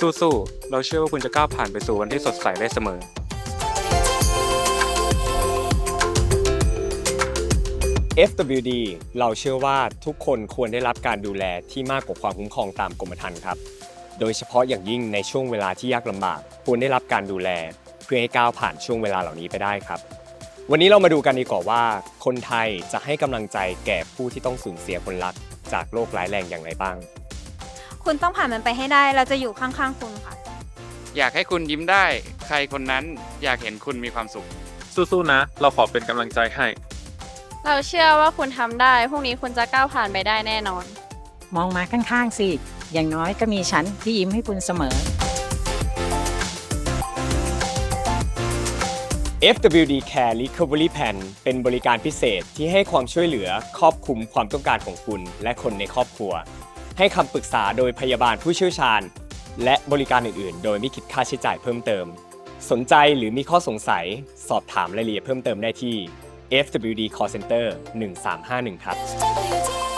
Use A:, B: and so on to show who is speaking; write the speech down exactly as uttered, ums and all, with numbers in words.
A: สู้ๆเราเชื่อว่าคุณจะก้าวผ่านไปสู่วันที่สดใสได้เสมอ
B: เอฟ ดับเบิลยู ดี เราเชื่อว่าทุกคนควรได้รับการดูแลที่มากกว่าความคุ้มครองตามกรมธรรม์ครับโดยเฉพาะอย่างยิ่งในช่วงเวลาที่ยากลำบากควรได้รับการดูแลเพื่อให้ก้าวผ่านช่วงเวลาเหล่านี้ไปได้ครับวันนี้เรามาดูกันดีกว่าว่าคนไทยจะให้กำลังใจแก่ผู้ที่ต้องสูญเสียคนรักจากโรคร้ายแรงอย่างไรบ้าง
C: คุณต้องผ่านมันไปให้ได้ เราจะอยู่ข้างๆคุณค่ะ
D: อยากให้คุณยิ้มได้ ใครคนนั้นอยากเห็นคุณมีความสุข
A: สู้ๆนะเราขอเป็นกำลังใจให้
E: เราเชื่อว่าคุณทำได้ พรุ่งนี้คุณจะก้าวผ่านไปได้แน่นอน
F: มองมาข้างๆสิ อย่างน้อยก็มีฉันที่ยิ้มให้คุณเสมอ
B: เอฟ ดับเบิลยู ดี Care Recovery Plan เป็นบริการพิเศษที่ให้ความช่วยเหลือครอบคลุมความต้องการของคุณและคนในครอบครัวให้คำปรึกษาโดยพยาบาลผู้เชี่ยวชาญและบริการอื่นๆ โดยไม่คิดค่าใช้จ่ายเพิ่มเติมสนใจหรือมีข้อสงสัยสอบถามรายละเอียดเพิ่มเติมได้ที่ เอฟ ดับเบิลยู ดี Call Center หนึ่งสามห้าหนึ่งครับ